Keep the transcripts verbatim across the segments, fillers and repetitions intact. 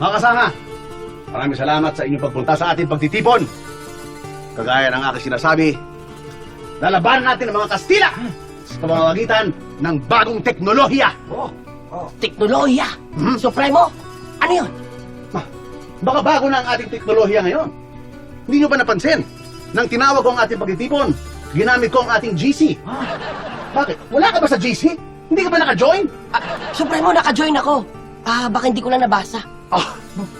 Mga kasama, maraming salamat sa inyong pagpunta sa ating pagtitipon. Kagaya ng aking sinasabi, lalabanan natin ang mga Kastila sa pamamagitan ng bagong teknolohiya. Teknolohiya! Hmm? Supremo! Ano yun? Ma, baka bago na ang ating teknolohiya ngayon. Hindi nyo ba napansin? Nang tinawag ko ang ating pagtitipon, ginamit ko ang ating G C. Bakit? Wala ka ba sa G C? Hindi ka ba naka-join? Ah, Supremo, naka-join ako. Ah, baka hindi ko lang nabasa. Ah,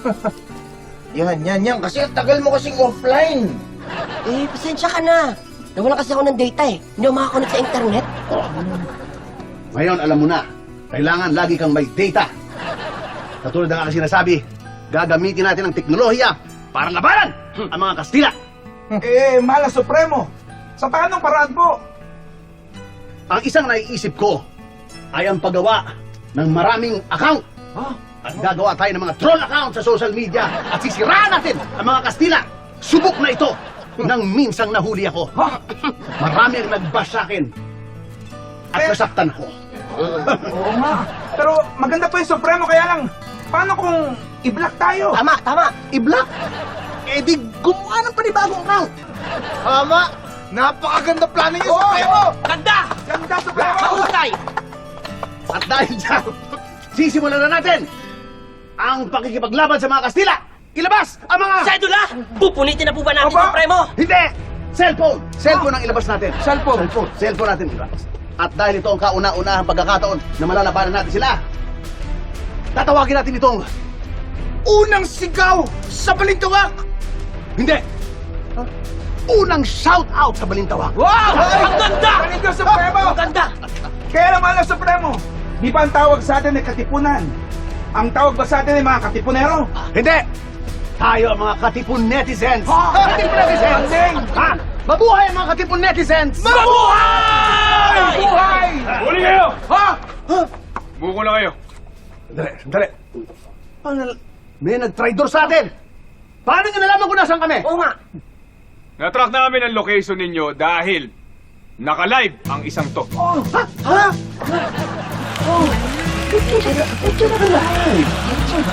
Yan, yan, yan. Kasi ang tagal mo kasing offline. Eh, pasensya ka na. Nawala kasi ako ng data eh. Hindi ako makakonect sa internet. ngayon, alam mo na, kailangan lagi kang may data. Katulad ng aking sinasabi, gagamitin natin ang teknolohiya para labanan ang mga Kastila. Eh, Mala Supremo, sa paanong paraan po? Ang isang naiisip ko ay ang paggawa ng maraming account. At gagawa tayo ng mga troll account sa social media at sisiraan natin ang mga Kastila. Subok na ito nang minsang nahuli ako. Marami ang nag-bash sa akin at nasaktan ako. Oo nga. Pero maganda po yung Supremo, kaya lang, paano kung i-block tayo? Tama, tama. I-block? Eh di gumawa ng panibagong account. Tama! Napakaganda plano niyo, Oo! Supremo! Ganda! Ganda, Supremo! Mahusay! At dahil dyan, sisimulan na natin ang pakikipaglaban sa mga Kastila. Ilabas ang mga... Sedula! Pupunitin na po ba natin, Aba! Supremo? Hindi! Cellphone! Cellphone ang ilabas natin. Cellphone. Cellphone. Cellphone natin ilabas. At dahil ito ang kauna-unahang pagkakataon na malalabanan natin sila, tatawagin natin itong... Unang sigaw sa balintawak! Hindi! Unang shout-out sa Balintawak. Wow! Ang ganda! Galing ka, Supremo! Ang ganda! Kaya lang, Mala Supremo, di ba ang tawag sa atin ay katipunan? Ang tawag ba sa atin ay mga katipunero? Hindi! Tayo ang mga katipon netizens! Ha! Katipon netizens! Galing! Ha? Mabuhay ang mga katipon netizens! Mabuhay! Buhay! Huli kayo! Ha? Buko na kayo. Sandali, sandali. Paano, may nag-traitor sa atin! Paano nyo nalaman kung nasaan kami? Oo nga. Natrack namin ang location ninyo dahil naka-live ang isang to. Oh, ha? Ha? Oh.